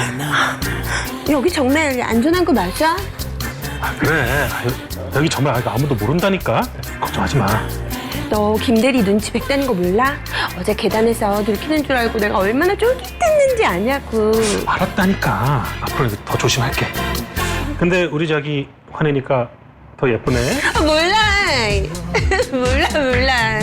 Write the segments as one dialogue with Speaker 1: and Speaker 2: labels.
Speaker 1: 여기 정말 안전한 거 맞아?
Speaker 2: 그래. 여기 정말 아무도 모른다니까. 걱정하지 마.
Speaker 1: 너 김대리 눈치 백다는 거 몰라? 어제 계단에서 들키는 줄 알고 내가 얼마나 쫄깃했는지 아냐고.
Speaker 2: 알았다니까. 앞으로 더 조심할게. 근데 우리 자기 화내니까 더 예쁘네.
Speaker 1: 몰라. 몰라.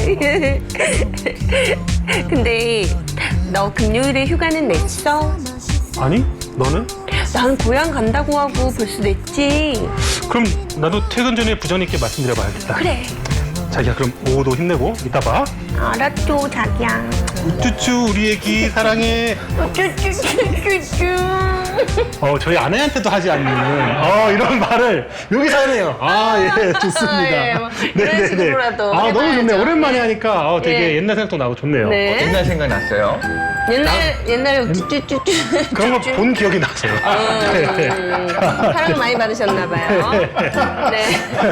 Speaker 1: 근데 너 금요일에 휴가는 냈어?
Speaker 2: 아니, 너는?
Speaker 1: 난 고향 간다고 하고 벌써 냈지.
Speaker 2: 그럼 나도 퇴근 전에 부장 있게 말씀드려봐야겠다.
Speaker 1: 그래.
Speaker 2: 자기야, 그럼 오후도 힘내고 이따 봐.
Speaker 1: 알았죠, 자기야.
Speaker 2: 우쭈쭈 우리 애기 사랑해.
Speaker 1: 쭈쭈쭈쭈쭈.
Speaker 2: 저희 아내한테도 하지 않는 이런 말을 여기서 하네요. 예, 좋습니다.
Speaker 1: 이런 식으로라도
Speaker 2: 너무 좋네요.
Speaker 1: 해봐야죠.
Speaker 2: 오랜만에 하니까 되게
Speaker 1: 예.
Speaker 2: 옛날 생각도 나고 좋네요.
Speaker 1: 네.
Speaker 3: 옛날 생각 났어요.
Speaker 1: 옛날에 쭈쭈쭈쭈.
Speaker 2: 그런 거 본 기억이 나세요.
Speaker 1: 사랑을 많이 받으셨나봐요. 네.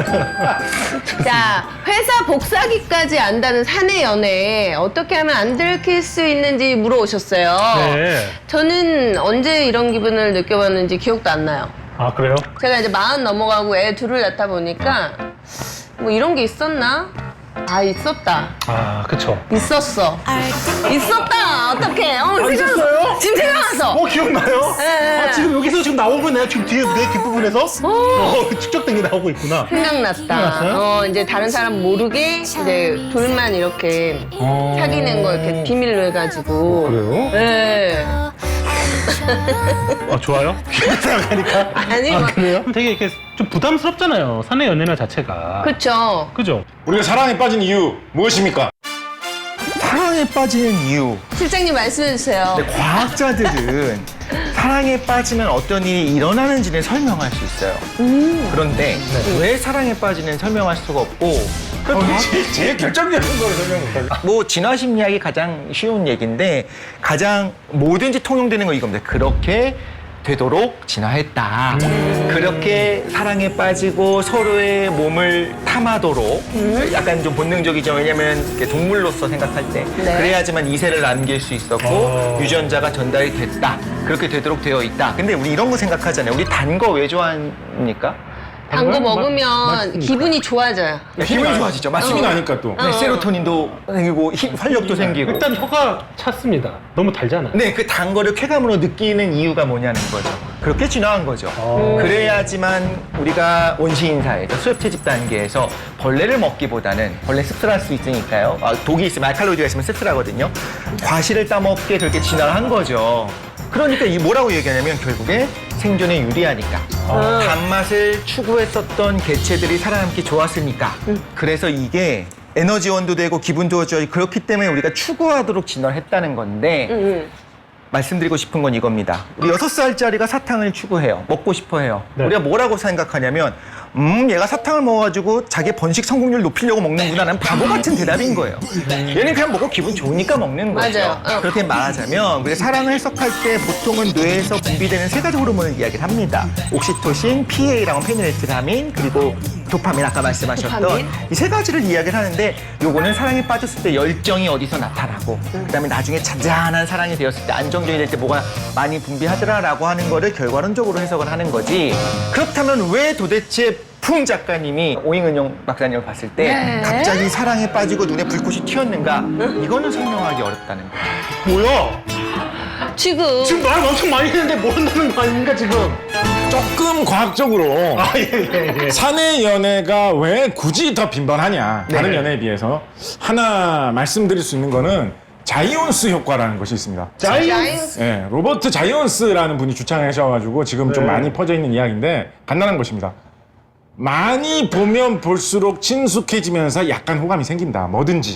Speaker 1: 자, 회사 복사기까지 안다는 사내 연애 어떻게 하면 안 들킬 수 있는지 물어오셨어요.
Speaker 2: 네.
Speaker 1: 저는 언제 이런 기분을 느껴봤는지 기억도 안 나요.
Speaker 2: 아, 그래요?
Speaker 1: 제가 이제 40 넘어가고 애 둘을 낳다 보니까 뭐 이런 게 있었나? 아, 있었다.
Speaker 2: 아, 그쵸.
Speaker 1: 있었다. 어떡해.
Speaker 2: 있었어요?
Speaker 1: 지금 생각났어.
Speaker 2: 기억나요?
Speaker 1: 네.
Speaker 2: 지금 여기서 지금 나오고 내가 지금 뒤에 내 뒷부분에서 축적된 게 나오고 있구나.
Speaker 1: 생각났다.
Speaker 2: 생각났어요?
Speaker 1: 이제 다른 사람 모르게 이제 둘만 이렇게 사귀는 거 이렇게 비밀로 해가지고.
Speaker 2: 그래요?
Speaker 1: 네.
Speaker 2: 좋아요? 생각하니까.
Speaker 1: 아니, 뭐.
Speaker 2: 그래요? 되게 이렇게 좀 부담스럽잖아요. 사내 연애나 자체가.
Speaker 1: 그쵸.
Speaker 2: 그죠?
Speaker 4: 우리가 사랑에 빠진 이유 무엇입니까?
Speaker 3: 사랑에 빠지는 이유.
Speaker 1: 실장님 말씀해주세요.
Speaker 3: 근데 과학자들은 사랑에 빠지면 어떤 일이 일어나는지는 설명할 수 있어요. 그런데 왜 사랑에 빠지는 설명할 수가 없고
Speaker 4: 제일 결정적인 걸 설명 못하죠.
Speaker 3: 뭐 진화 심리학이 가장 쉬운 얘기인데 가장 뭐든지 통용되는 건 이겁니다. 그렇게 되도록 진화했다. 그렇게 사랑에 빠지고 서로의 몸을 탐하도록 약간 좀 본능적이죠. 왜냐면 이렇게 동물로서 생각할 때
Speaker 1: 네.
Speaker 3: 그래야지만 이세를 남길 수 있었고 유전자가 전달이 됐다. 그렇게 되도록 되어 있다. 근데 우리 이런 거 생각하잖아요. 우리 단 거 왜 좋아합니까?
Speaker 1: 단 거
Speaker 2: 단 거?
Speaker 1: 먹으면
Speaker 2: 맛있으니까.
Speaker 1: 기분이 좋아져요.
Speaker 3: 기분이 좋아지죠.
Speaker 4: 힘이
Speaker 3: 맞습니다.
Speaker 4: 나니까 또.
Speaker 3: 네, 세로토닌도 생기고 활력도 생기고.
Speaker 2: 일단 혀가 찼습니다. 너무 달잖아요.
Speaker 3: 네, 그 단 거를 쾌감으로 느끼는 이유가 뭐냐는 거죠. 그렇게 진화한 거죠. 그래야지만 우리가 원시인사에서 수렵채집 단계에서 벌레를 먹기보다는 벌레 씁쓸할 수 있으니까요. 독이 있으면 알칼로이드가 있으면 씁쓸하거든요. 과실을 따먹게 그렇게 진화를 한 거죠. 그러니까 이 뭐라고 얘기하냐면 결국에 생존에 유리하니까 단맛을 추구했었던 개체들이 살아남기 좋았으니까 그래서 이게 에너지원도 되고 기분도 좋아지고 그렇기 때문에 우리가 추구하도록 진화를 했다는 건데 말씀드리고 싶은 건 이겁니다. 우리 6살짜리가 사탕을 추구해요. 먹고 싶어 해요.
Speaker 2: 네.
Speaker 3: 우리가 뭐라고 생각하냐면 얘가 사탕을 먹어가지고 자기 번식 성공률 높이려고 먹는구나라는 바보 같은 대답인 거예요. 얘는 그냥 먹고 기분 좋으니까 먹는 거죠.
Speaker 1: 맞아요.
Speaker 3: 그렇게 말하자면 우리가 사랑을 해석할 때 보통은 뇌에서 분비되는 3가지 호르몬을 이야기를 합니다. 옥시토신, PA라고 페니레트라민, 그리고 도파민 아까 말씀하셨던
Speaker 1: 도파민.
Speaker 3: 이 3가지를 이야기를 하는데 요거는 사랑에 빠졌을 때 열정이 어디서 나타나고 그다음에 나중에 잔잔한 사랑이 되었을 때 안정적이 될 때 뭐가 많이 분비하더라라고 하는 거를 결과론적으로 해석을 하는 거지. 그렇다면 왜 도대체 풍 작가님이 오잉은영 박사님을 봤을 때
Speaker 1: 네.
Speaker 3: 갑자기 사랑에 빠지고 눈에 불꽃이 튀었는가? 이거는 설명하기 어렵다는 거예요.
Speaker 2: 뭐야?
Speaker 1: 지금
Speaker 2: 말 엄청 많이 했는데 모른다는 거 아닙니까, 지금?
Speaker 4: 조금 과학적으로
Speaker 2: 예.
Speaker 4: 사내 연애가 왜 굳이 더 빈번하냐 다른
Speaker 3: 네.
Speaker 4: 연애에 비해서 하나 말씀드릴 수 있는 거는 자이온스 효과라는 것이 있습니다.
Speaker 1: 자이언스.
Speaker 4: 예, 로버트 자이온스라는 분이 주창하셔가지고 지금 좀
Speaker 2: 네.
Speaker 4: 많이 퍼져 있는 이야기인데 간단한 것입니다. 많이 보면 볼수록 친숙해지면서 약간 호감이 생긴다. 뭐든지.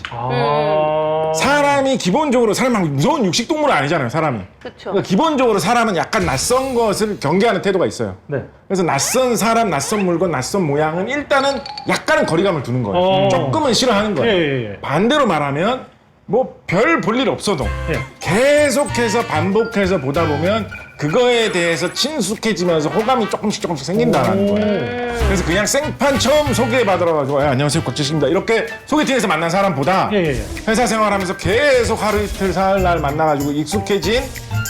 Speaker 4: 사람이 기본적으로 사람은 무서운 육식동물은 아니잖아요. 사람이.
Speaker 1: 그쵸.
Speaker 4: 그러니까 기본적으로 사람은 약간 낯선 것을 경계하는 태도가 있어요.
Speaker 2: 네.
Speaker 4: 그래서 낯선 사람, 낯선 물건, 낯선 모양은 일단은 약간은 거리감을 두는 거예요. 조금은 싫어하는 거예요.
Speaker 2: 예.
Speaker 4: 반대로 말하면 뭐 별 볼 일 없어도
Speaker 2: 예.
Speaker 4: 계속해서 반복해서 보다 보면 그거에 대해서 친숙해지면서 호감이 조금씩 생긴다는 거예요. 그래서 그냥 생판 처음 소개받으러가지고 안녕하세요 곽재식입니다 이렇게 소개팅에서 만난 사람보다
Speaker 2: 예.
Speaker 4: 회사 생활하면서 계속 하루 이틀 사흘 날 만나가지고 익숙해진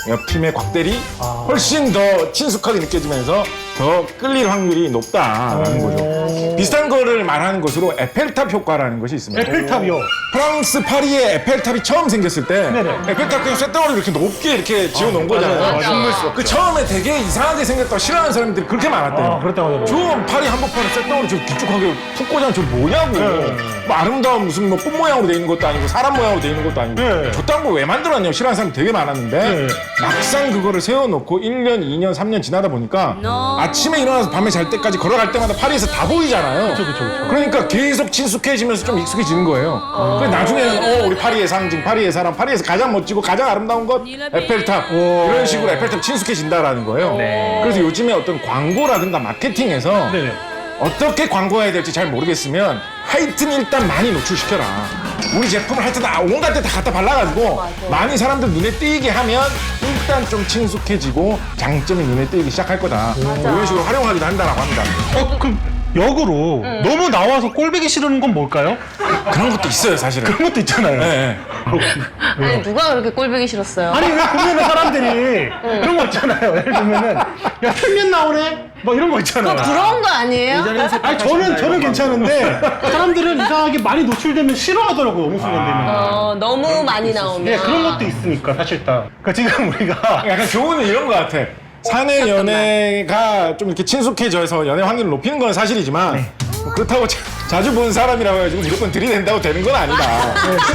Speaker 4: 옆 팀의 곽대리 훨씬 더 친숙하게 느껴지면서 더 끌릴 확률이 높다라는 거죠. 비슷한 거를 말하는 것으로 에펠탑 효과라는 것이 있습니다.
Speaker 2: 에펠탑이요.
Speaker 4: 프랑스 파리에 에펠탑이 처음 생겼을 때
Speaker 2: 네네.
Speaker 4: 에펠탑 그냥 쇳덩어리 이렇게 높게 이렇게 지어놓은 거잖아요.
Speaker 1: 맞아.
Speaker 4: 그 처음에 되게 이상하게 생겼다고 싫어하는 사람들이 그렇게 많았대요.
Speaker 2: 그렇다고 하더라고요.
Speaker 4: 저 파리 한복판에 쇳덩어리 저 길쭉하게 푹 꽂아 저 뭐냐고.
Speaker 2: 네.
Speaker 4: 뭐 아름다운 무슨 뭐 꽃 모양으로 돼 있는 것도 아니고 사람 모양으로 돼 있는 것도 아니고
Speaker 2: 네.
Speaker 4: 저딴 걸 왜 만들었냐고 싫어하는 사람이 되게 많았는데
Speaker 2: 네.
Speaker 4: 막상 그거를 세워놓고 1년, 2년, 3년 지나다 보니까 아침에 일어나서 밤에 잘 때까지 걸어갈 때마다 파리에서 다 보이잖아요.
Speaker 2: 그쵸.
Speaker 4: 그러니까 계속 친숙해지면서 좀 익숙해지는 거예요. 그래서 나중에는 우리 파리의 상징, 파리의 사람, 파리에서 가장 멋지고 가장 아름다운 것 에펠탑 이런 식으로 에펠탑 친숙해진다라는 거예요. 그래서 요즘에 어떤 광고라든가 마케팅에서
Speaker 2: 네네.
Speaker 4: 어떻게 광고해야 될지 잘 모르겠으면 하여튼 일단 많이 노출시켜라. 우리 제품을 하여튼 온갖 데 다 갖다 발라가지고 많이 사람들 눈에 띄게 하면 일단 좀 친숙해지고 장점이 눈에 띄기 시작할 거다. 이런 식으로 활용하기도 한다라고 합니다.
Speaker 2: 그럼 역으로 너무 나와서 꼴보기 싫은 건 뭘까요?
Speaker 4: 그런 것도 있어요, 사실은.
Speaker 2: 그런 것도 있잖아요.
Speaker 4: 네.
Speaker 1: 아니 누가 그렇게 꼴보기 싫었어요?
Speaker 2: 아니 왜 보면은 사람들이 그런 거 있잖아요. 예를 들면은 야 평면 나오네? 뭐 이런 거 있잖아요.
Speaker 1: 부러운 거 아니에요?
Speaker 2: 아니 저는 괜찮은데 사람들은 이상하게 많이 노출되면 싫어하더라고요. 어느 순간 되면.
Speaker 1: 너무 많이 나오면.
Speaker 2: 예, 그런 것도 있으니까 사실 다. 그러니까 지금 우리가
Speaker 4: 약간 교훈은 이런 것 같아. 사내 연애가 좀 이렇게 친숙해져서 연애 확률을 높이는 건 사실이지만 그렇다고 자주 본 사람이라고 해가지고 무조건 들이댄다고 되는 건 아니다.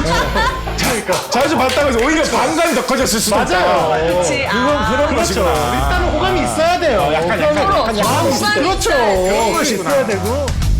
Speaker 4: 자주 봤다고 해서 오히려 반감이 더 커졌을 수도 있다.
Speaker 1: 그렇지.
Speaker 4: 그런 것이구나.
Speaker 2: 일단은 호감이 있어야 돼요.
Speaker 4: 약간
Speaker 1: 서로
Speaker 2: 마음이
Speaker 1: 호감이
Speaker 2: 그렇죠.
Speaker 1: 있어야지.
Speaker 2: 그런 것이 있어야 되고.